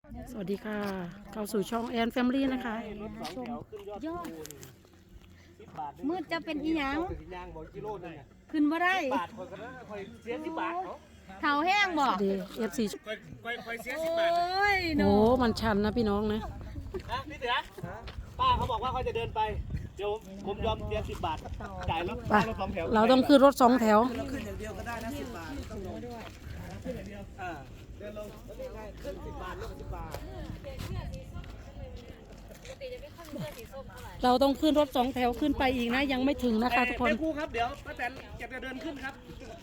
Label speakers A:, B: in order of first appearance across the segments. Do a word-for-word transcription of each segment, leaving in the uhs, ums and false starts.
A: สวัสดีค่ะเข้าสู่ช่องแอนแฟมิลี่นะคะ
B: ยอดมืดจะเป็นอีหยังขึ้นมาได้เท้าแห้งบ่
A: ดีเอฟซี
B: โอ้ย
A: โอ้มันชันนะพี่น้องนะ
C: พี่เสือป้าเขาบอกว่าเขาจะเดินไปเดี๋ยวผมยอมเสียสิบบาทจ่ายรถรถสองแถว
A: เราต้องขึ้นรถสองแถว
C: เราขึ้นอย่างเดียวก็ได้นะสิบบาทต้องลงด้วยขึ้นอย่างเดียวอ่าเดินลงนี่ไงขึ้นสิบบาทลงสิบบาท
A: เราต้องขึ้นรถสองแถวขึ้นไปอีกนะยังไม่ถึงนะคะทุกคน
C: เดี๋ยวครูครับเดี๋ยวป้าแตนจะเดินขึ้นครับ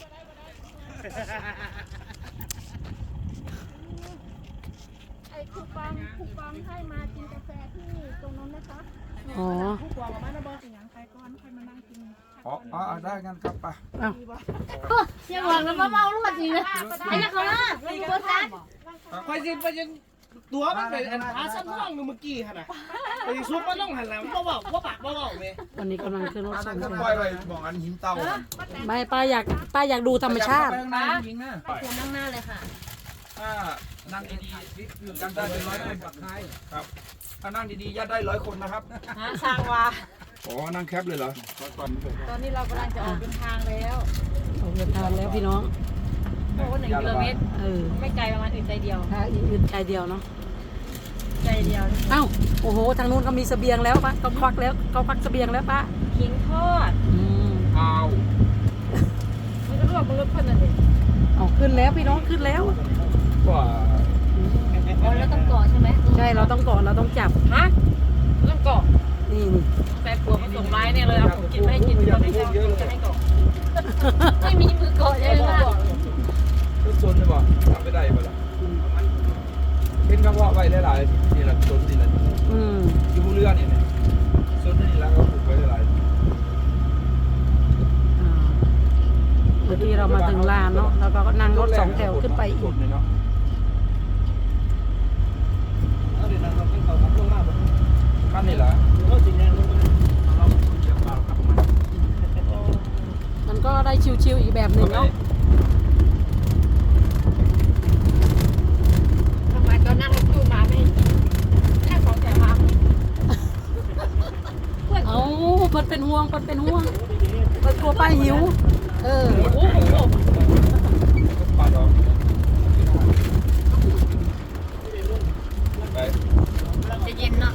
B: ไอ้คูปองคูปองให้มากินกาแฟที่ตรงนั้นนะคะ
A: อ๋อ
B: คูปองมาแล้วบอกอย่างใครก่อนใครมานั่งกิน
D: อ๋ออ๋อได้งั้นครับไป
A: อ้าว
B: เชี่ยวหวังแล้วมาเมาลูกจริงนะไอ้เนี่ยเขาล่ะโคตรซัด
C: ไปสิไปสิตัวมันเป็นอันท้าสั้นท่องเมื่อกี้ฮะนะไปซุปมันต้องหันหลังเพราะว่าเพราะปากเพราะว่าเนี่ย
A: วันนี้กำลังขึ้นรถสองแถว
D: ปล่อยไปบอกอันหินเตา
A: ไม่ป้าอยากป้าอยากดูธรรมชาติ
D: ไปข้างหน้าจริงนะ
B: ไปควรนั่งหน้าเลยค่ะ
D: ถ้านั่งดีๆยัดได้เป็นร้อยคนครับถ้านั่งดีๆยัดได้ร้อยคนนะครับ
B: ช่างว่า
D: อ๋อนั่งแคปเลยเหรอ
B: ตอนนี้เรากำลังจะออกเดินทางแล้ว
A: ออกเดินทางแล้วพี่น้อง
B: โอ้หนึ่งกิโลเมตร
A: เออ
B: ไม่ไกลประมาณอื่นใจเดียว
A: ถ้าอื่นใจเดียวเนาะ
B: ใจเดียว
A: เอ้าโอ้โหทางนู้นเขามีเสบียงแล้วป้าเขาควักแล้วเขาควักเสบียงแล้วป้า
B: ขิงทอด
A: อืม
D: เอา
B: มันก็รวบมันรถคนนั่นเอง
A: เอาขึ้นแล้วพี่น้องขึ้นแล้ว
D: ว่า
B: อ๋อแล้วต้องเกาะใช่ไหม
A: ใช่เราต้องเกาะเราต้องจับ
B: ฮะต้องเกาะ
A: นี่นี่
B: แฟนผัวเขาส่งไม้เนี่ยเลยเอาผมกินไม่ให้กินเขาไม่ชอบจะให้เกาะไม่มีมือเกาะใช่ไหมล่ะ
D: ทุกโซนเลยบ่ทำไม่ได้บ่ล่ะเป็นคำว่าไว้หลายๆทีละโซนทีละ
A: อืม
D: อยู่บนเรือเนี่ยโซนนี้แล้วก็ปลูกไว้หลาย
A: เมื่อกี้เรามาถึงลานเนาะแล้วก็นั่งรถสองแถวขึ้นไปอีก
D: ขั้นนี่เหรอ
A: มันก็ได้ชิวๆอีกแบบหนึ่งเนาะ
B: ทำไมตอนนั่งรถตู้มาไม่แค่สองแถวมา
A: เอามันเป็นห่วงมันเป็นห่วงมันกลัวป้าหิวเออ
B: โอ้โห
D: ปาดออกไป
B: จะเย็นเนาะ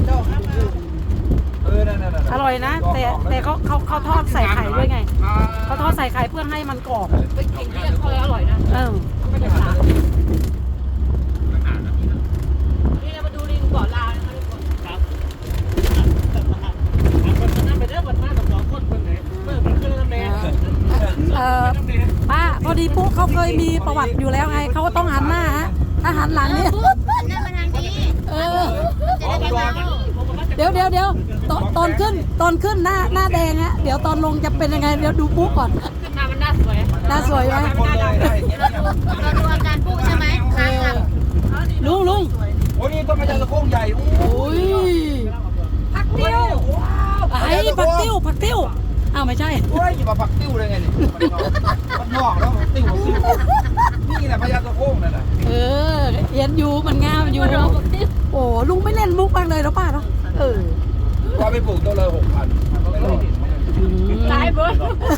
D: เออนั่นๆๆ
A: อร่อยนะแต่แต่เขาเขาเขาทอดใส่ไข่ด้วยไงเขาทอดใส่ไข่เพื่อให้มันกรอบ
B: เป็นขิงที่ทอดอร่อยนะ
A: เออ
B: ไม่ได้สานี่เรามาดูลิงเกาะลานะคะทุกคน
C: ครับนั่งไปเด้อวันหน้าสองคนคนไหนเมื่อมันขึ้นแล้วแม่
A: เออป้าพอดีปุ๊เขาเคยมีประวัติอยู่แล้วไงเขาก็ต้องหันหน้าฮะถ้าหันหลังเนี่ย
B: นั่นมาทางนี้
A: เออ
B: จะได้ไม่เมา
A: เดี๋ยวเดี๋ยวเดี๋ยวตอนตอนขึ้นตอนขึ้นหน้าหน้าแดงฮะเดี๋ยวตอนลงจะเป็นยังไงเดี๋ยวดูปุ๊ก่อน
B: ขึ้นมามันน่าสวย
A: หน้าสวยไหม
B: เราดูเราดูอาการปุ๊ใช่ไหม
A: ลุงลุง
D: โอ้ยนี่ต้นกระจายตะโค้งใหญ่
A: โอ้ย
B: ผักติ้ว
A: ไอ้ผักติ้วผักติ้วอ้าวไม่ใช่
D: โอ้ยอย่ามาผักติ้วเลยไงนี่มันงอกแล้วติ้วติ้วนี่แหละพญาตะโค้งนั่นแหละ
A: เออเย็นอยู่มันงามอยู่โอ้ลุงไม่เล่นมุกบ้างเลยหรอป้าเนาะเออ
D: ว่าไปปลูกต้นละหกพัน
B: ตายเบิร์ด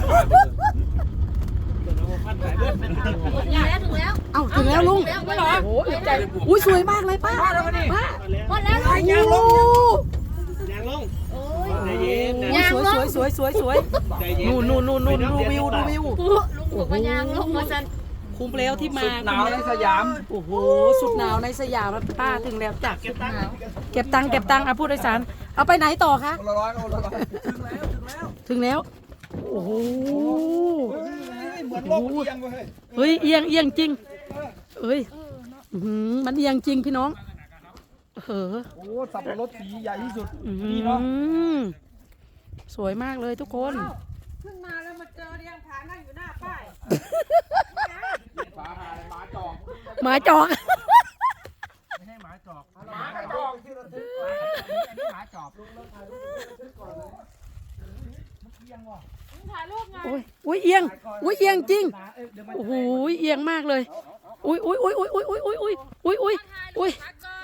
B: ถึงแล้วถึงแล้ว
A: เอ้าถึงแล้วลุงโอ้ยใจอุ้ยสวยมากเลยป้าป้า
B: หมดแล้ว
C: ยางลงยางลงใจเย็น
A: สวยสวยสวยสวยสวยนู่นนู่นนู่นนู่นดูวิวดูวิว
B: ลุงบอกว่ายางลงมาจัน
A: คุ้มแล้วที่มา
D: หนาวในสยาม
A: โอ้โหสุดหนาวในสยามป้าถึงแล้วจ้ะเก็บตังค์เก็บตังค์เก็บตังค์อ่ะผู้โดยสารเอาไปไหนต่อคะ
D: ละร้อยละร้อย
A: ถึงแล้วโอ้โห
D: เหมือนโลกเอียงเลย
A: เฮ้ยเอียงเอียงจริงเฮ้ยมันเอียงจริงพี่น้องเออ
D: โอ้สับปะรดสีใหญ่ที่สุด
A: นี่เนาะสวยมากเลยทุกคน
B: ขึ้นมาแล้วมาเจอเรียงผานั่งอยู่หน้าป้าย
D: หมาหมาจอก
A: หมาจอก
D: ไม่ให้หมาจอกหมาจอกที่เราซื้ออันนี้หมาจอกลุงเลิกถ่ายรูปซื้อก่อนเลยมันเอียงว่ะ
B: ถ่ายรูปไง
A: โอ้ยอุ้ยเอียงอุ้ยเอียงจริงโอ้โหเอียงมากเลยอุ้ยอุ้ยอุ้ยอุ้ยอุ้ยอุ้ยอุ้ยอุ้ยอุ้ยอุ้ยอุ้ย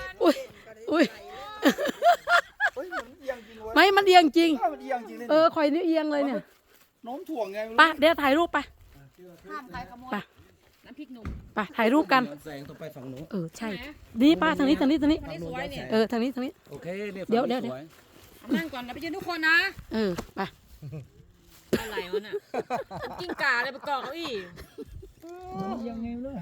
A: อียงจริง
C: มันเอียงจริงเลย
A: เออคอยนิ้วเอียงเลยเนี่ย
C: โน้มถ่วงไง
A: ไปเดี๋ยวถ่ายรูปไป
B: ห้ามใครขโมย
A: ไป
B: น้ำพริกหนุ่ม
A: ไปถ่ายรูปกัน
C: แสงต้องไปฝั่งนู้น
A: เออใช่นี่ป้าทางนี้ทางนี้ทางนี้
B: นี่สวยเนี่ย
A: เออทางนี้ทางนี้
C: โอเคเนี่ย
A: เดี๋ยวเดี๋ยวเดี๋ยว
B: นั่งก่อนนะไปยืนทุกคนนะ
A: เออไป
B: อะไรวะน่ะกิ้งก่าอะไรไปเกาะเขาอีก
D: ยังไงเลย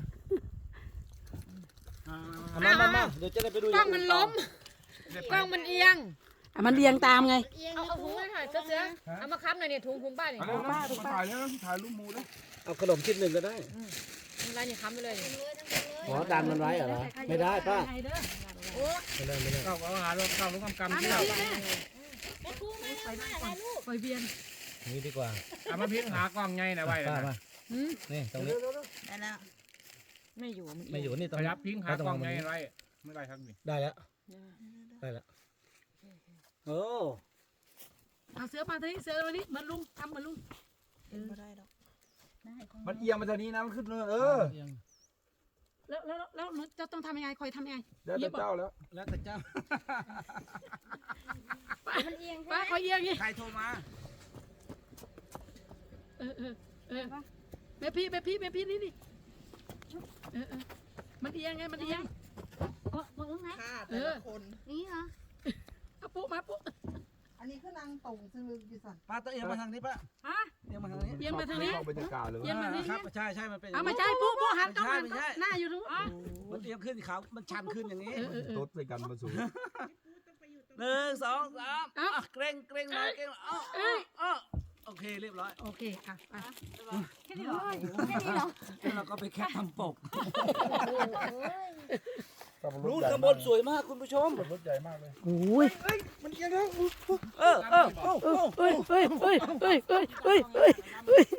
C: มามามาเดี๋ยวจะได้ไปดู
B: กล้องมันล้มกล้องมันเอียง
A: อ่ะมันเรียงตามไง
B: เอาเอาถุงมาถ่ายเสื้อเอามาค้ำหน่อยเนี่ยถุงถุงป้าเนี่ย
D: เอาป้าถ่ายแล้วถ่ายรูปมูแล้ว
C: เอาขนมชิ้นหนึ่งก็ได้
B: อะไรเนี่ยค้ำไปเลย
C: อ๋อดันมันไว้เหรอไม่ได้ป้า
B: โอ้
C: ไม่ได้ไม่ได้
D: เข้าเอาหาเราเข้ารู้กำกำที่เรา
A: คอยเวียน
C: นี่ดีกว่า
D: เอามาพิงหากล้องไงนะไว้
C: ป้า
D: นะ
C: มานี่ตรงนี้
B: ได้แล้วไม่อยู่มัน
C: ไม่อยู่นี่ตร
D: ข
C: ง
D: ยับพิงหากล้องไงไว้ไม่ได้ครับนี่
C: ได้แล้วได้แล้วโอ้
A: เอาเสือมาทางนี้เสือมานี้เหมือนลุงทำเหมือนลุง
D: มันเอียงมาทางนี้นะมันขึ้นเลยเออ
A: แล้วแล้วแล้วหนูจะต้องทำยังไงคอยทำยังไง
D: เดี๋ยวเจ้าแล้ว
C: แล้วแต่เจ้า
B: มันเอียง
A: ป้าคอยเอียงนี่
C: ใครโทรมา
A: เออเออเออแม่พี่แม่พี่แม่พี่นี่นี่เออเออมันเอียงไงมันเอียง
B: ก็มึงนะ
A: เออ
B: นี่เหรอ
A: เอาปุ๊มาปุ๊
E: อันนี้คือนางตรงซึ่งอยู่สั่น
C: ป้าต้องเอียงมาทางนี้ป้า
A: ฮะ
C: เอียงมาทางนี้
A: เอียงมาทางนี้
D: เข้าบรรยากาศเลย
A: เอียงมาทางนี้
C: ครับใช่ใช่มันเป็น
A: เอามาใช้ปุ๊ปุ๊หันต้องหัน
C: ไม่ใช่
A: หน้าอยู่ตรงอ๋อ
C: มันเอียงขึ้นเขามันชันขึ้นอย่างนี้
A: เออเออเออ
D: รถไปกันมาสูง
C: หนึ่งสองสาม
A: เอ้า
C: อ่ะเกรงเกรงหน่อยเกรงหน่อยอ้อ
A: เอ้ย
C: อ้อโอเคเรียบร้อย
A: โอเคอ่ะไป
B: แค่นี้เหรอแค่นี้เหรอ
C: แล้วเราก็ไปแคปทำปก
D: รู
C: รู
D: ด
C: ดข้างบนสวยมากคุณผู้ชม
D: รถใหญ่มากเลย
A: โอ้ย
C: มันเอียงแล้วเออเออโอ้โห
A: เฮ้ยเฮ้ยเฮ้ยเฮ้ยเฮ้ยเฮ้ยเฮ้ยเฮ้ย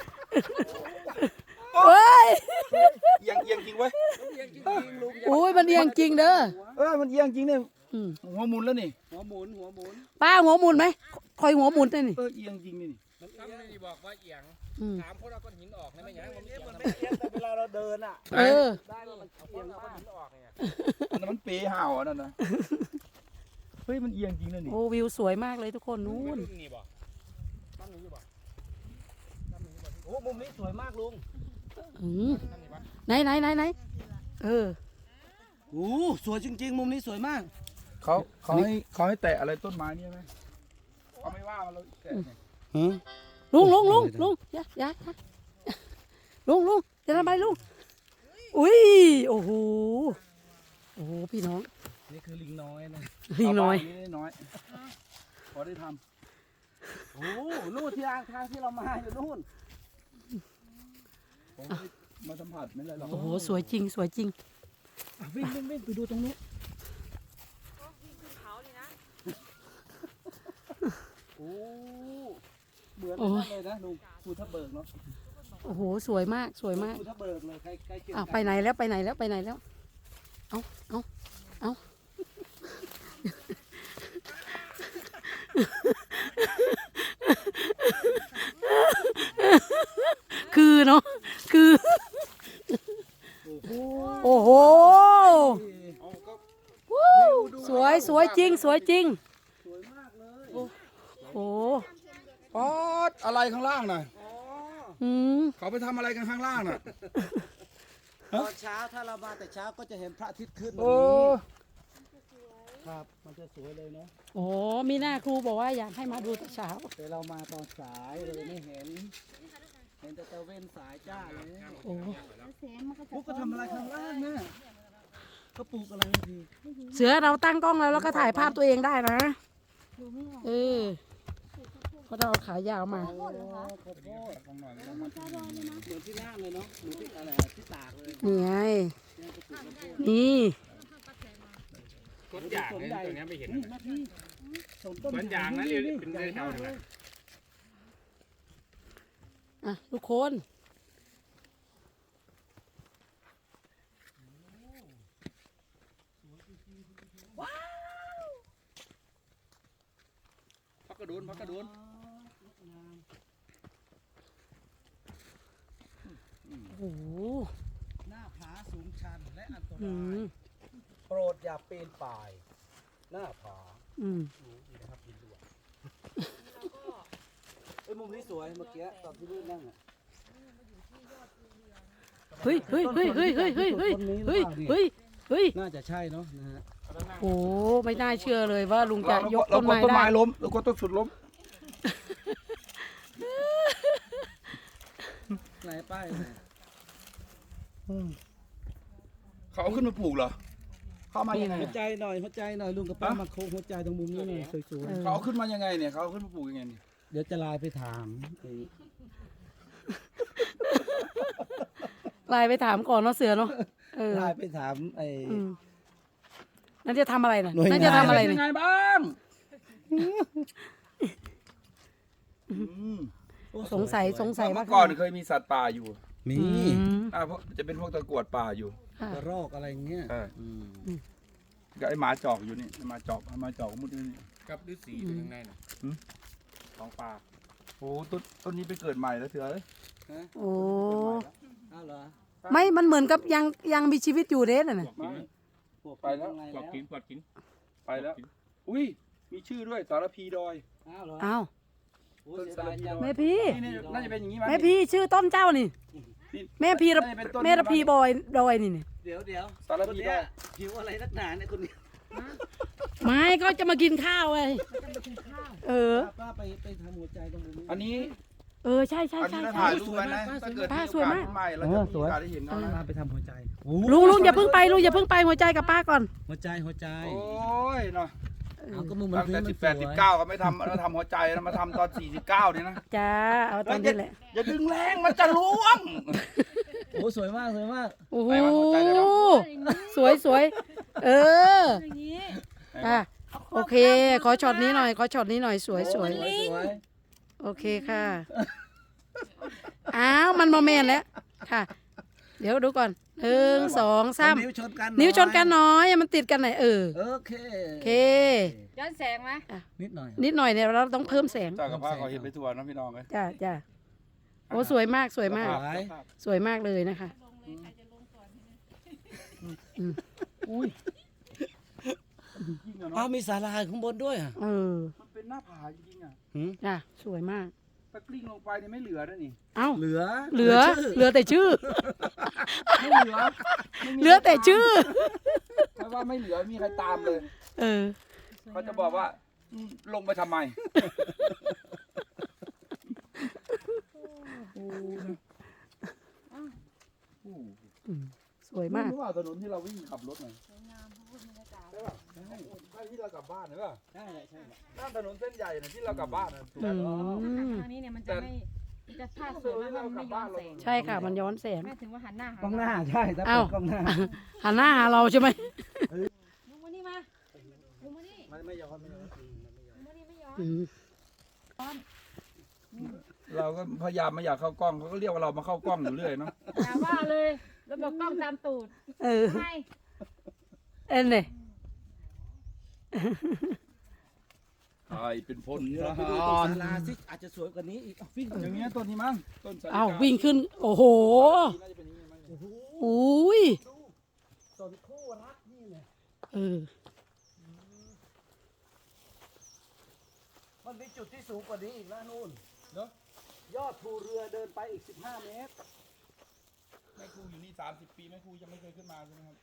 A: เฮ้ย
D: เอียงเอียงจริงเว้ย
C: เอียงจริงๆลุง
A: โอ้ยมันเอียงจริงเด้อ
D: เออมันเอียงจริงเนี่ย
A: อืม
D: หัวหมุนแล้วนี่
C: หัวหมุนหัวหมุน
A: ป้าหัวหมุนไหมคอยหัวหมุนได้นี่
D: เออเอียงจริงนี่
F: มันทำไม่ได้บอกว่าเอียง
A: อืม
F: ถามพวกเราก้อนหินออกนะไม่ยังมัน
C: เอีย
F: เอี
C: ง
F: ยง
C: มัน
F: นะ
C: ไม่เอียงแต่เวลาเราเดินอ่ะ
A: เออ
C: ได้ว่ามัน
F: เอาพ
C: เอี
F: วย ก
C: ง
F: เรา
C: มา
F: ก้อก นหินออกเนี่ย
D: อันนั้นมันเป๋ห่าวอันนั้นนะเฮ้ยมันเอียงจริงนะนี่
A: โอ้วิวสวยมากเลยทุกคนนู้น
F: นี่บอกตั้งนี้บอก
C: โอ้มุมนี้สวยมากลุง
A: อืมไหนไหนไหนไหนเออ
C: โอ้สวยจริงๆ มุมนี้สวยมาก
D: เขาเขาให้เขาให้แตะอะไรต้นไม้เนี่ยไหมเขาไม่ว่าเราแตะเนี่ย
A: ลุงลุงลุงลุงอย่าอย่าอย่าลุงลุงจะทำอะไรลุงอุ้ยโอ้โหโอ้โหพี่น้อง
C: นี่คือลิงน้อยนะ
A: ลิงน้อย
D: เาไปนี่น้อยพอได้ท
C: โอ้นู่นที่ทางทางที่เรามาอยู่นู่น
D: ำผมไม่ได้มาสัมผัสไม่เลยหรอก
A: โอ้โหสวยจริงสวยจริง
C: อ่ะวิ่งวิ่งวิ่งไปดูตรงนู้นโอ้เหมือนกันเลยนะลุงภูทับเบิกเนาะ
A: โอ้โหสวยมากสวยมาก
C: ภูทับเบิกเลยใกล้ใกล้เคียง
A: อ้าว
C: กั
A: ไปไหนแล้วไปไหนแล้วไปไหนแล้วเอาเอาเอาคือเนาะคือ โอ้โหสวยสวยจริงสวยจริง
C: สวยมากเลย
A: โอ้โห
D: ป๊อดอะไรข้างล่างน่ะ
C: อ๋อ
A: อืม
D: เขาไปทำอะไรกันข้างล่างน่ะ
C: ตอนเช้าถ้าเรามาแต่เช้าก็จะเห็นพระอาทิตย์ขึ้นแบบ
D: โอ้
C: นี้ครับ มันจะสวยเลยเนาะ
A: โอ้มีหน้าครูบอกว่าอยากให้มาดูแต่เช้า
C: แต่เรามาตอนสายเราเลยไม่เห็น เห็นแต่ตะเวนสายจ้าเลย
A: โอ้
B: เสียงมันก็จะ
C: พวกก็ทำอะไรข้างล่างนะเขาปลูกอะไรที
A: เสือเราตั้งกล้องแล้วแล้วก็ถ่ายภาพตัวเองได้นะ
B: ดูไม่ออก
A: เออเพราะเราเอาขายาวมา
C: โอ้ขอโทษ
D: ฟังหน่อย
B: มันจะโดนเลยนะ
C: เหมือนที่ล่างเลยเนาะเหมือนที่อะไรอะที่ตากเลย
A: นี่ไง
C: เนี่ยก็ปลูกข้าวโพด
A: นี่
F: ต้นยางเนี่ยตัวนี้ไม่เห็น
C: นี่มาพี่สวนต้น
F: ต้นยางนะ
C: นี่
F: เรียก
C: นี่
F: เป็น
C: ใหญ่
F: เรื่อง
C: มา
F: เก่าก เล
C: เลย ย
A: อ่ะทุกคน
F: พักกระโดนพักกระโดน
A: โอ้โห
C: หน้าผาสูงชันและอันต
A: อื
C: ราย
A: ม
C: โปรดอย่าปีนป่าย หน้าผา
A: อืม
C: ดูดีนะครับดินด้วย
D: ไอ้มุมนี้สวยเมื่อกี้ตอนที่ลูกนั่งอ่ะ
A: เฮ้ยเฮ้ยเฮ้ยเฮ้ยเฮ้ยเฮ้ยเฮ้ยเฮ้ยเฮ้ยเฮ้ย
D: น่าจะใช่เนาะนะฮะ
A: โอ้ไม่น่าเชื่อเลยว่าลุงจะยก
G: เรา
A: ต้น
G: กด
A: ไม้
G: ต้น
A: ได้
G: ไม้ล้มเรากดต้นสุดล้ม
D: ไหนป้ายไหน
G: เขาเอาขึ้นมาปลูกเหรอเขาเอามายังไง
D: หัวใจหน่อยหัวใจหน่อยลุงกับป้ามาโค้งหัวใจตรงมุมนี้หน่อยสวย
G: เขาเอาขึ้นมายังไงเนี่ยเขาเอาขึ้นมาปลูกยังไงเนี่ย
D: ๆเดี๋ยวจะไลน์ไปถามไอ้
A: ไลน์ไปถามก่อนเนาะเสือเนาะเออ
D: ไลน์ไปถามไอ้
A: อืมนั่นจะทำอะไรนะ
D: หน่วยงาน
A: นั่นจะทำอะไร
G: เป็น
A: นะ
G: ยังไงบ้างอืม
A: สงสัยสงสัย
G: เมื่
A: ว่า
G: อก่อนเคยมีสัตว์ป่าอยู่
D: มี
A: อืม
G: อ่าพวกจะเป็นพวกตะกรวดป่าอยู่
A: ค่ะ
D: กระรอกอะไรเงี้ย
G: ใช่
D: อืม
G: กับไอ้หมาจอกอยู่นี่ไอ้หมาจอกไอ้หมาจอกมุดอยู่นี่
F: กับฤาษีอยู่ข้างในน่ะ
G: หืม
F: ของป่า
G: โอ้ต้นต้นนี้ไปเกิดใหม่แล้วเถื่อเอ้ย
A: โอ้
D: อ้าวเหรอ
A: ไม่มันเหมือนกับยังยังมีชีวิตอยู่เด้น่ะ
F: ป
A: นะ
F: วกกินไหม
D: พวก
G: ไปแล้ว
D: ข้างใน
F: ปวกกินปวกกิน
G: ไปแล้ว อุ้ยมีชื่อด้วยสารพีดอย
D: อ้าวเหรอ
A: อ้าว
D: โอ้เสียดายจัง
A: แม่พี่
G: นี่นี่น่าจะเป็นอย่างนี้มั้ย
A: แม่พี่ชื่อต้นเจ้านี่
G: นี่
A: แม่พี่ระ
G: น่าจะเป็นต้น
A: แม่ระพีบอยดอยนี่นี่
D: เดี๋ยวเดี๋ยว
G: สาร
D: คน
G: พีด
D: เนี้
G: อย ย
D: หิวอะไรนักหนาเนี่ยคนนี้
A: ไม่ก็จะมากินข้าวไงเออ
D: ป้าไปไปทำหัวใจตรงมุมนี้
G: อันนี้
A: เออใช่ใช่
G: อัน
A: ใช่
G: นี้เรา
A: ใช่
G: ถ่ายรูปไว้นะถ้าเกิด
A: ป้า
G: มี
A: ส
G: โอ
A: วย
G: กาส
A: มาก
G: ขึ้นใหม่เราจะมีโอกาสได้เห็นเขานะ
D: ป้าไปทำหัวใจโอ้
A: ลุงลุงอย่าเพิ่งไปลุงอย่าเพิ่งไปหัวใจกับป้าก่อน
D: หัวใจหัวใจ
G: โอ้ยเนาะ
D: เอาก็มุมมัน
G: ตั้ง
D: พื้น
G: แต่
D: มัน
G: สิบ
D: ส
G: แป
D: ว
G: ดสิบ
D: ย
G: เก้าก็ไม่ทำเราทำหัวใจแล้วมาทำตอนสี่สิบเก้านี่นะ
A: จ้าเอาตอนนี้แหละ
G: อย่าดึงแรงมันจะล่วง
D: โอ้สวยมากสวยมาก
A: โอ้โห
G: ไปวะหัวใจเลยเหรอ
A: สวยสวยเออ
B: อย่างนี้
A: อ่ะโอเค ขอช็อตนี้หน่อยขอช็อตนี้หน่อยสวยสวย
D: สวยสวย
A: โอเคค่ะอ้าวมันโมเมนต์แล้วค่ะ เดี๋ยวดูก่อนหนึ่งสองสาม
D: นิ้วชนกัน
A: นิ้วชนกันน้อยมันติดกันไหนอยเออ
D: โอเค
A: โอเค
B: ย้อนแสงไหม
D: นิดหน่อย
A: นิดหน่อยเนี่ยเราต้องเพิ่มแสง
G: จากกับผ้าเขาเห็นไปทัวร์นะพี่น้องเลย
A: จ้าจ้าโอ้สวยมากสวยมาก
D: สวย
A: สวยมากเลยนะคะ
G: อุ้ยจริงอะ
D: อ้าว
G: เนาะ
D: มีศาลาข้างบนด้วยอ่ะ
A: เออ
G: มันเป็นหน้าผาจริงๆอ่ะ
D: หืม
A: จ้าสวยมาก
G: ถ้ากลิ้งลงไปเนี่ยไม่เหลือแล้วนี่
A: เอ้า
D: เหลือ
A: เหลือเหลือแต่ชื่อ
G: ไม่เหลือไม่มี
A: เหลือแต่ชื่อ
G: ใครว่าไม่เหลือมีใครตามเลย
A: เออ
G: เขาจะบอกว่าอืมลงไปทำไม
A: สวยมาก
G: รู้ว่าถนนที่เราวิ่งขับรถหน่อยใช่ป่ะใช่ใช่ที่เรากลับบ้านใช่ป่ะ
D: ใช่ใช่
G: ด้านถนนเส้นใหญ่นะที่เรากลับบ้านนะถูก
A: อื
G: ไหม
A: ม
B: ทางนี้เนี่ยมันจะไม่มันจะภาพสวยมากมันไม่ย้อนแสง
A: ใช่ค่ะ มันย้อนแสง
B: แม่ถึงว่าหันหน้าหาก
D: ล้องหน้าใช่ถ้า
A: อ้า
D: เปิ
A: ว
D: ดกล้องหน้า
A: หันหน้าหาเราใช่ไหม
B: ลุงมานี่มาลุงมานี่
D: มันไม่ย้อนไม่ย้อน
B: ลุงมานี่ไม่ย้อน
A: อืม
G: เราก็พยายามไม่อยากเข้ากล้องเขาก็เรียกว่าเรามาเข้ากล้องอยู่เรื่อยเนาะ
B: อย่าว่าเลยแล้วบอกกล้องตามตูด
A: เออ
B: ไม่
A: เอ็นเนี่ย
G: ใช่เป็นพล
D: เดี๋ยว
G: ท
D: เราไปดู
G: หา
D: ตัว
G: ร
D: ศาลาสิอาจจะสวยกว่านี้อีกอ้าววิ่ง
G: อย่างเงี้ยต้นนี้มั้งต้นสาลิกา
A: อ้าววิ่งขึ้น โอ้โห
G: น่าจะเป็นอย่างงี้มั้ง
D: โอ้โห
A: อุ้ย
D: ต้นคู่รักนี่เนี่ย
A: เออ
D: มันมีจุดที่สูงกว่านี้อีกนะนู่นเนาะยอดภูเรือเดินไปอีกสิบห้าเมตร
G: แม่ครูอยู่นี่สามสิบปีแม่ครูยังไม่เคยขึ้นมาใช่ไหมครับ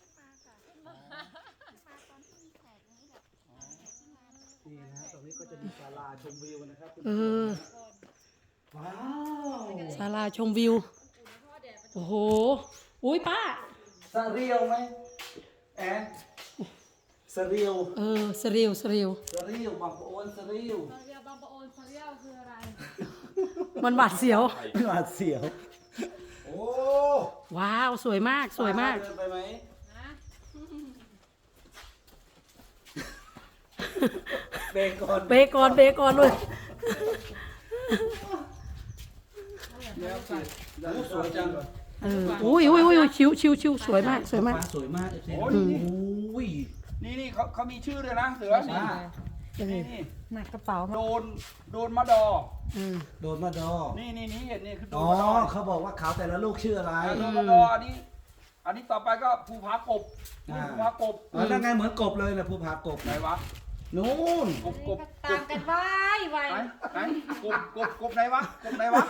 D: นี่นะฮะตรงนี้ก็จะมีศาลาชมวิวนะครับ
A: เออ
D: ว้าว
A: ศาลาชมวิว โอ้โห อุ้ยป้า
D: สะเรียวไหมแอนสะเรียว
A: เออสริวสริว
D: สะเรียวบางปะโอนสะเรียว
B: เรียบางปะโอนเรียวคืออะไร
A: มันหวาดเสียว
D: หวาดเสียวโอ้
A: ว้าว สวยมาก สวยมาก
D: เดินไปไหม
B: นะ
D: เบรกก่อน
A: เบรกก่อนเบรกก่อนเลย
D: แล้วสิโอ้สวยจัง
A: เออ อุ้ยอุ้ยอุ้ยชิวชิวชิวสวยมาก สวยมาก
D: ฟ้สวยมากเอฟซี
G: โอ้
D: ดู
G: นี่
D: โอ้ย
G: นี่นี่เขาเขามีชื่อด้วยนะเสือนี่
D: อ่า
A: เอ
G: นี่
A: อ
G: นี่
B: หนักกระเป๋า
G: โดนโดนมะดอ
A: เออ
D: โดนมาดอ
G: นี่นี่นี่เห็นนี่คือโด
D: อ๋
G: น
D: อ
G: มะดอ
D: เขาบอกว่าเขาแต่ละลูกชื่ออะไร
G: โดนมะดออันนี้ อันนี้ต่อไปก็ภูผากบนี่
D: อ่า
G: ภูผากบ
D: อ๋อนั่นไงเหมือนกบเลยนะภูผากบ
G: ไหนวะนู่นกบกบ
B: ตามกันไว้ไว้
G: ไหนไหนกบกบกบไหนวะกบไหนวะ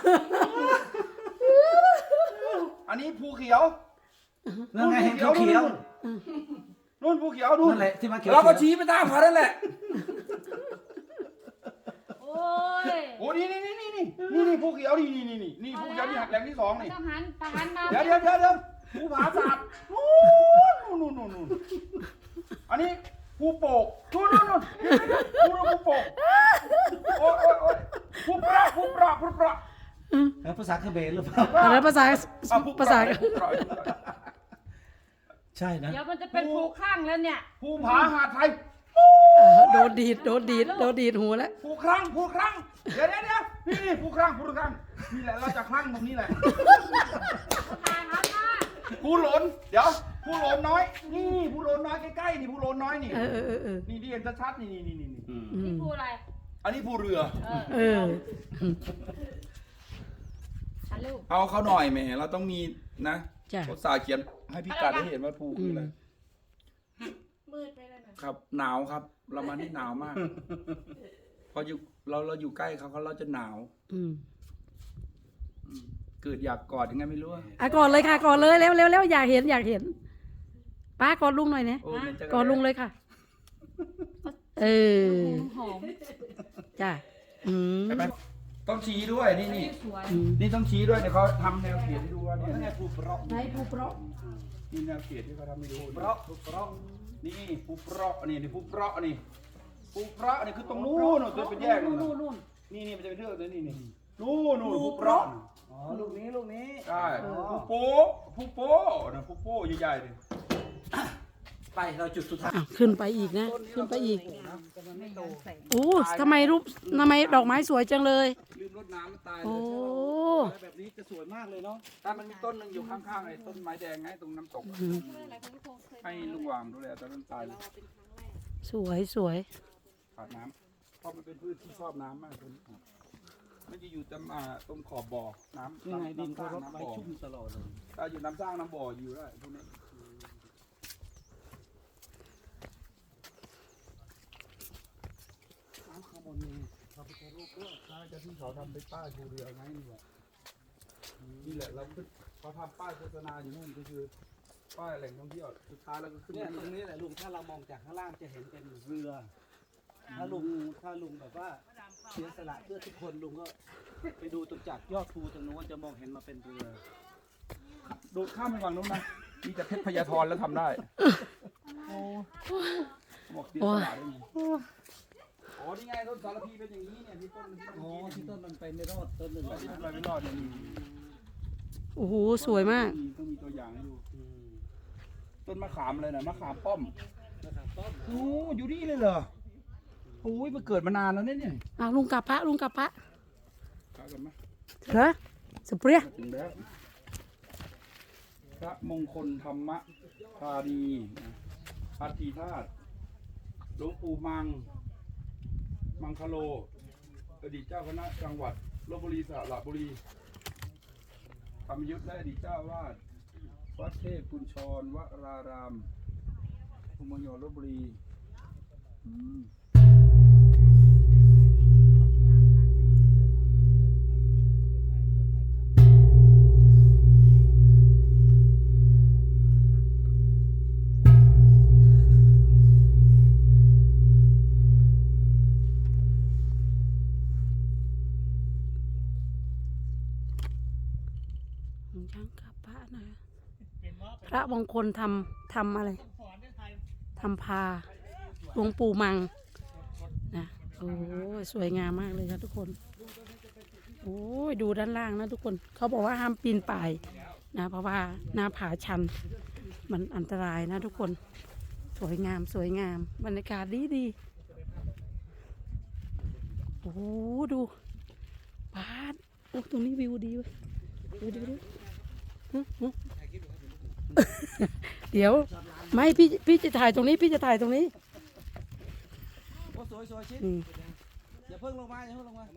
G: อันนี้ภูเขียวนั่นไงเห็นภูเขียวนู่นภูเขียวนู่นนั่นแหละที่มันเขียวเราก็ชี้ไปตามเขานั่นแหละ
B: โอ้ย
G: โอ้นี่นี่นี่นี่นี่นี่นี่ภูเขียวนี่นี่นี่นี่นี่ภูเขียวนี่หักแหลมที่สอง
B: ไม่
G: นี่
B: ต้องหันทหารมา
G: เดี๋ยวเดี๋ยวเดี๋ยวเดี๋ยวภูผาศาสตร์นู่นนู่นนู่นนู่นอันนี้ภูโป่งนู่นนู่นนู่นภูภูโป่งโอ้ยโอ้ยโอ้ยภูปราภูปราภูปราภาษาเขมรหรือเปล่า
A: อะไรภาษาภาษา
G: ใช่นะ
B: เดี๋ยวมันจะเป็นภูข้างแล้วเนี่ย
G: ภูผาหาดไทย
A: โดนดีดโดนดีดโดนดีดหูแล้ว
G: ภูครั้งภูครั้งเดี๋ยวเดี๋ยวเดี๋ยวนี่นี่ภูครั้งภูครั้งนี่แหละเราจะครั้งตรงนี้แหละภูหลนเดี๋ยวภูหลนน้อยนี่นี่ภูหลนน้อยใกล้ๆนี่ภูหลนน้อยนี่
A: เออเออเออเออ
G: นี่ที่เห็นชัดๆนี่นี่นี่นี่นี่
A: อื
B: นี่
A: ม
B: ภูอะไร
G: อันนี้ภูเรือ
B: เออ
A: เออ
B: ฮัลโหล
G: เอาเขาหน่อยแหมเราต้องมีนะ
A: จ้ะ
G: เขาสาเขียนให้พี่กัดได้เห็นว่าภูคืออะไร
B: มืดไปแล้วนะ
G: ครับหนาวครับ เรามานี่หนาวมาก พออยู่เราเราอยู่ใกล้เขาเขาเราจะหนาว
A: อืม
G: อืมเกิดอยากกอดยังไงไม่รู้อะ
A: อ่ะก่อนเลยค่ะก่อนเลยเร็วเร็วเร็วอยากเห็นอยากเห็นป้ากอดลุงหน่อยเนี่ย
G: โอ้ยมันจะ
A: กอดลุงเลยค่ะ เออ
B: หอม
A: จ้ะอืม
G: ใช่ไหมต้องชี้ด้วยนี่นี่
B: สวย
A: อืม
G: นี่ต้องชี้ด้วยเดี๋ยวเขาทำแนวเขียนให้ดูว่าเนี่ยนี่ภูเปราะ
A: ไหนภูเปราะ
G: นี่แนวเขียนที่เขาทำให้ดูเปราะภูเปราะนี่ภูเปราะนี่นี่ภูเปราะนี่ภูเปราะนี่คือตรงนู้นตัวเป็นแยกนู่นนู่นนี่นี่มันจะเป็นเรื่องเลยนี่นี่นู่นนู่นภูเปราะ
D: อ๋อลูกนี้ลูกนี้
G: ใช่ภูโป้ภูโป้นะภูโป้ใหญ่ๆเลย
D: ไปเราจุดสุดท้าย
A: อ่ะขึ้นไปอีกนะ ขึ้นไปอีกโอ้ทำไมรูปทำไมดอกไม้สวยจังเลย
G: ลืมรดน้ำมันตาย
A: โอ้
G: เลยแบบนี้จะสวยมากเลยเนาะถ้ามันมีต้นหนึ่งอยู่ข้างๆไอ้ต้นไม้แดงไงตรงน้ำตก
A: อืม
G: ให้ลุงวางดูแลตอนนั้นตายเลย
A: สวยสวย
G: ขาดน้ำเพราะมันเป็นพืชที่ชอบน้ำมากเลยมันจะอยู่ตรงอ่าตรงขอบบ่อน้ำ
D: ยังไงดิน
G: น้ำส
D: เขา
G: ร้าง
D: รด
G: น้ำ
D: ไว้
G: บ่อ
D: ชุ่มตลอดเลย
G: ถ้าอยู่น้ำสร้างน้ำบ่ออยู่ได้พวกนี้น้ำข้างบนนี่พระพุทธรูปก็น่าจะที่เขาทำเป็นป้ายภูเรือไงนี่แหละนี่แหละเราขึ้นเขาทำป้ายโฆษณาอยู่นู่นก็คือป้ายแหล่งท่องเที่ยวสุดท้ายแล้วก็ขึ้น
D: เนี่ย
G: มา
D: ตรงนี้แหละลุงถ้าเรามองจากข้างล่างจะเห็นเป็นเรือ ถ้าลุงถ้าลุงแบบว่าเสียสละเพื่อทุกคนลุงก็ไปดูตรงจากยอดภูตรงนู้นจะมองเห็นมาเป็นเรือ
G: ดูข้ามไปฝั่งนู้นนะมีแต่เพชรพญาธรแล้วทำได้บอกเสียสละได้ไงอ๋อนี่ไงต้นสารพีเป็นอย่างนี้เนี่ยที่ต้นที่
D: อ๋อ
G: เมื่อกี้
D: ที่
G: เนี่ย
D: ต้นมันไปไม่รอดต้นหนึ่ง
G: ที่มันไปไม่รอดเนี่ยมี
A: โอ้โหสวยมาก
G: ต้องมีตัวอย่างให้ดูต้นมะขามอะไรนะมะขามป้อม
D: นะครับต้น
G: โอ้อยู่นี่เลยเหรอโอ้ยมันเกิดมานานแล้วเนี่ยเนี่ย
A: อ้าวลุงกลับพระลุงกลับพระ
G: กลับกันไหม
A: เหรอสเปรีย
G: ถึงแล้วพระมงคลธรรมธานีพัทธีธาตุหลวงปู่มัง มังคโล อดีตเจ้าคณะจังหวัดลบบุรีสระบุรีธรรมยุทธและอดีตเจ้าวาดวัดเทพกุญชรวรารามภูมิยอลบบุรีอืม
A: ช่างกับพระนะพระมงคลทำทำอะไรทำพาหลวงปู่มังนะโอ้ยสวยงามมากเลยครับทุกคนโอ้ยดูด้านล่างนะทุกคนเขาบอกว่าห้ามปีนป่ายนะเพราะว่าหน้าผาชันมันอันตรายนะทุกคนสวยงามสวยงามบรรยากาศดีดีโอ้โหดูปาดโอ้ตรงนี้วิวดีเว้ยดูดูดูฮึฮึเดี๋ยวไม่พี่พี่จะถ่ายตรงนี้พี่จะถ่ายตรงนี้
D: โอ้สวยสวยชิด
A: อืม
D: อย่าเพิ่งลงมาอย่าเพิ่งลงมา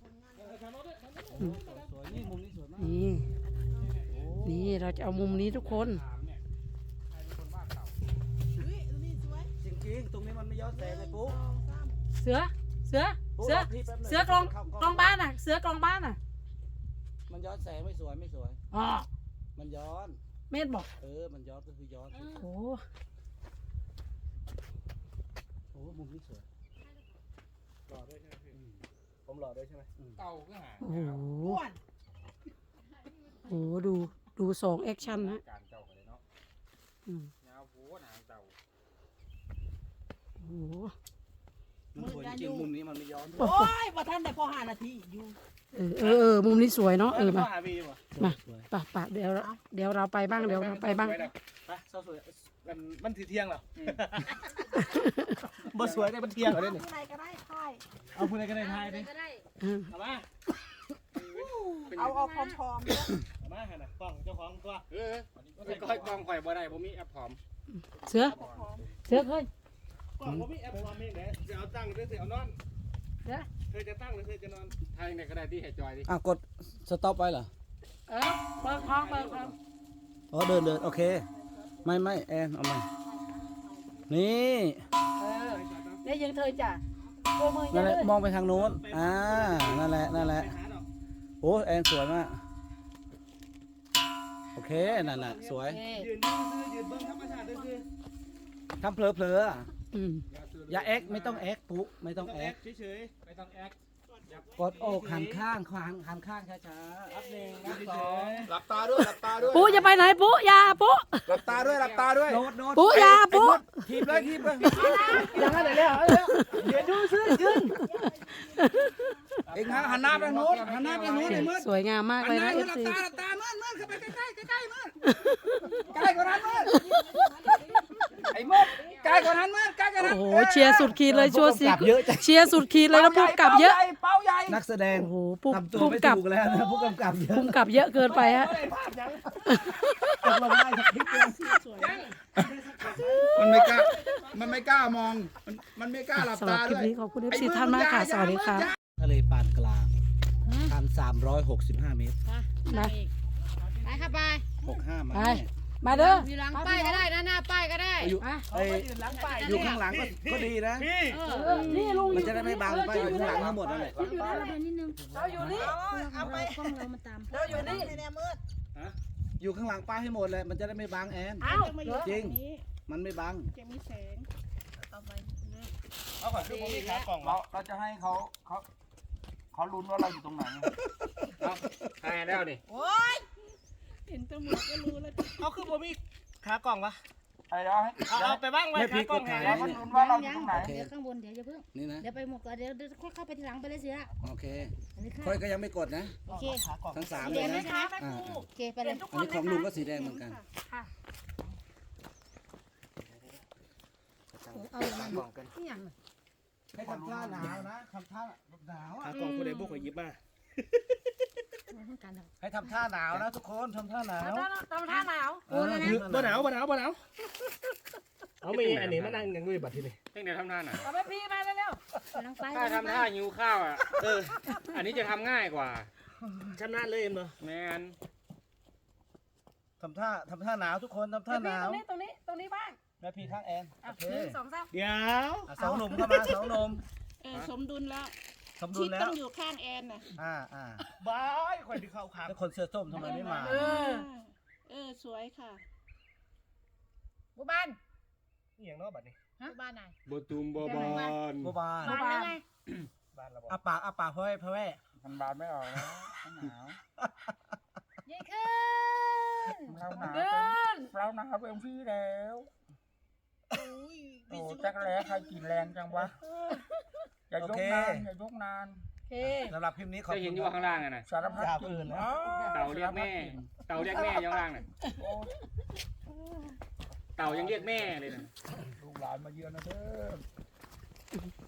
D: สวยนี่มุมนี้สวยมาก
A: นี่นี่เราจะเอามุมนี้ทุกคน
D: จริงจริงตรงนี้มันไม่ย้อนแสงไงปุ๊
A: เสือเสือเสือเสือกลองกลองบ้านอ่ะ เสือกลองบ้านอ่ะ
D: มันย้อนแสงไม่สวยไม่สวย
A: อ๋อ
D: มันย้อน
A: เมธบอก
D: เออมันย้อนก็คือย้อน
A: โอ้
D: โอ้มุมนี้สวย
C: หล่อด้วยใช่ไหมพี่ผมหล่อด้วยใช่ไหม
F: เต่าก็หา
A: โอ้โหโอ้โหดูดูสองแอคชั่นนะ
F: การเต่ากันเลยเนาะ
A: อืม
F: ยาวโว้หางเต่า
A: โอ้โห
D: มันสวยจริงมุมนี้มันไม่ย้อน
E: โอ้ยบ่ทันได้พอห้านาทีอยู่
A: เออเออเออมุมนี้สวยเนาะเออมา
C: หาวีป่ะ
A: มาปะปะเดี๋ยวเดี๋ยวเราไปบ้างเดี๋ยวเราไปบ้าง
C: ไปเศร้าสวยมันมันทีเที่ยงเหรอบ่สวยได้มันเที่ยงเหรอเนี่ย
E: ผู้ใดก็ได้ค่าย
C: เอาพูดอะไรกันในไทยดิ
B: ก็ได้
A: อืม
C: เอามา
E: เอาเอาพร้อมๆเด้อ
C: เอามาหันน่ะกล้องเจ้าของตัว
F: เออก้อยกองข่อยบ่ได้ผมมีแอปพร้อม
A: เสือเสือเคย
C: กล้องผมมีแอปพร้อมเองเด้จะเอาตั้งหรือจะเอานอน
A: เสือ
C: เธอจะตั้งหรือเธอจะนอน
F: ทางไหนก็ได้ที่ให้จอยดิ
D: อ่ะกดสต็อปไว้เหรอ
A: เออเปิดคลองเปิดคลอง
D: อ๋อเดินเดินโอเค ไม่ไม่แอนเอามานี่
A: เออเดี๋ยวยังเธอจ้ะตัวมือยั
D: นั่
A: ง
D: นแห
A: เล
D: ละ
A: ย
D: มองไปทางโน้นอ่านั่นแหละนั่นแหละ
C: ไปหาดอก
D: โอ้แอนสวยมากโอเคนั่นแหละสวย
A: โอเค
C: ยืนยืนซื้อยืนเบิ้งธรรมชาติด้วยคือ
D: ทำเพลอเพลอๆอ่ะ
A: อืม
D: อย่าแอ็กไม่ต้องแอ็กปุ๊ไม่ต้อง
C: ต้อง
D: แอ็
C: แอก คเฉย
F: ไม่ต้องแอค
D: กดอกหันข้างหันหันข้างช้า
C: ๆอัพหนึ่งอัพเฉย
G: หลับตาด้วยหลับตาด้วย
A: ปุ๊จะไปไหนปุ๊อยาปุ๊
G: หลับตาด้วยหลับตาด้วย
D: ๆโน้ตโน้ต
A: ปุ๊อยาปุ๊
D: ทีบเลยทีบเลย
C: ๆยังไงเลยแล้วเดี๋ยวดูซื้อยืน
D: เอ็งหันหน้าไปทางโน้นหันหน้าไปทางโน้นไอ้มืด
A: สวยงามมากเลยนะเอฟซี
D: หลับตามืดมืดเข้าไปใกล้ใกล้ใกล้มืดใกล้กว่านั้นมืดไอ้มืดใกล้กว่านั้นมืดใกล้กว่านั้น
A: โอ้โหเชียร์สุดขีดเลยชัวร์สิเชียร์สุดขีดเลยแล้วพุ่มกลับเยอะ
D: เป้าใหญ่นักแสดง
A: โอ้โหพุ่ม
D: ทำตัว
A: พุ่ม
D: ไม่
A: กลับ
D: ถูกแล้วนะผู้กำกับเยอะ
A: พุ่มกลับเยอะเกินไปฮะ
D: ตกลงได้สักคลิปเลย
G: มันไม่กล้ามันไม่กล้ามองมันมันไม่กล้าหลับ
A: สำหรับ
G: ตา
A: คลิ
G: ด้
A: ป
G: วย
A: นี้ขอบคุณเอฟซีท่านมากค่ะสวัสดีค่ะ
D: ทะเลปานกลางพันสามร้อยหกสิบห้าเมตร
A: มา
B: ไปค่ะไป
D: หกห้ามา
A: ไป
D: แน่
A: มาเด้อ
B: อยู่หลังป้ายก็ได้นะหน้าป้ายก็ได้
D: อยู่
A: มา
D: ไอ้อยู่ข้างหลังก็ก็ดีนะ
C: พี่
B: เอ
A: เอ
B: อ
A: อนี่ลุง
D: มันจะได้ไม่บังไปอยู่ข้างหลังทั้งหมดนั่นแหละ
B: อยู่ด้านหลังนิดนึง
A: เราอยู่นี่
E: เอาไป
B: กล้องเรามาตาม
A: เราอยู่นี่
E: ในแนวมืด
D: อยู่ข้างหลังป้ายให้หมดเลยมันจะได้ไม่บังแอน
A: เอ้า
D: จริง มันไม่บัง
E: จะมีแสงเอาไป
C: เอาก่อนคือผมมีขากล่อง
G: เราเราจะให้เขาเขาเขาลุ้นว่าเราอยู่ตรงไหน
F: เอาทายแล้วนี่
E: โอ้ยเห็นตำรวจก็รู้แล้ว
C: เอาคือผมมีขากล่องวะ
G: ไอ้เราให้
C: เอาเอาไปบ้างไว้
D: ไม่พลิ
C: ขาก กล่อง
D: กฎหมาย
C: ให้
G: เราลุ้นว่าเราอยู่
B: ยั
G: ต
B: ง
G: รงไหน
B: เดี๋ยวข้างบนเดี๋ยวอย่าเพิ่ง
D: นี่นะ
B: เดี๋ยวไปหมดก่อนเดี๋ยวเดี๋ยวค่อยเข้าไปทีหลังไปเลยเสือ
D: โอเค
B: อันนี้ค่ะ
D: ค่อยก็ยังไม่กดนะ
B: โอเค
C: ขากล่อง
D: ทั้งสาม
B: สี
D: เล
B: แด
D: ย
B: งไหม
D: นะคะ อ่า
B: โอเคไปเลย
D: อันนี้ของลุงก็สีแดงเหมือนกัน
B: เอาเลยมันนี่อย่าง
D: ให้ทำท่าหนาวนะทำท่าหนาว
C: ขากล่องคนใดบุกขอยิบมา
B: เหมือนกันเหรอ
D: ให้ทำท่าหนาวนะทุกคนทำท่าหนาว
A: ทำท่าหนาว
D: เออ
C: บ่หนาวบ่หนาวบ่หนาวเอามีอันนี้มานั่งยังด้วยบัตรที่นี่
F: เพ่งเดี๋ยวทำท่าหน่อย
A: เอาไปพี่มาเร็ว
B: ไปหลังไป
F: ถ้าทำท่าหิวข้าวอ่ะ
C: เออ
F: อันนี้จะทำง่ายกว่า
C: ชำนาญเลยเนาะ
F: แมน
D: ทำท่าทำท่าหนาวทุกคนทำ
A: ๆ
D: ท่าหนาว
A: ตรงนี้ตรงนี้ตรงนี้บ้าง
D: แม่พี่ข้างแอน
A: อ่ะ
D: โอเค
A: หนึ่งสองสาม
C: เดี๋ยว
D: อ่ะสองหนุ่มเข้ามาสองหนุ่ม
E: เออสมดุลแล้ว
D: สมดุ
E: ชิ
D: ล
E: ด
D: แล้
E: ต้
D: ว
E: องอยู่ข้างแอนน่ะ
D: อ่าอ่า
C: บายคนที่เข้าขา
D: แล้วคนเสื้อส้มทำไมไม่มา
A: เออ
E: เออสวยค่ะ
B: บุบ้าน
C: นี่อย่างเนอกบัตรนี่
B: บุบ้านไหน
F: บตูมบอบอน
D: บัวบาน
B: บ้านแล้วไง
C: บ้านเราบอก
D: อาปากอาปากพ่อแม่พ่อแม่
G: มันบานไม่ออกแล้วหนาว
B: ยิ่งขึ้น
G: เราหนาว
A: เดิน
G: เราหนาวเป็นพี่แล้ว
E: อุ้ย
G: โอ้จักรแล้ใครกินแรงจังวะอย่ายกนานอย่ายกนาน
A: โอเค
D: สำหรับคลิปนี้ขอบ
F: จะ
D: คุ
F: เห็น
D: ณ
F: อยู่ข้างล่างอ่ะนะ
G: สารพัดกิน
F: เต่าเรียกแม่ เต่าเรียกแม่อยู่ข้างล่างน่ะเต่ายังเรียกแม่เลยนะ
G: ลูกหลานมาเยือนนะเด้อ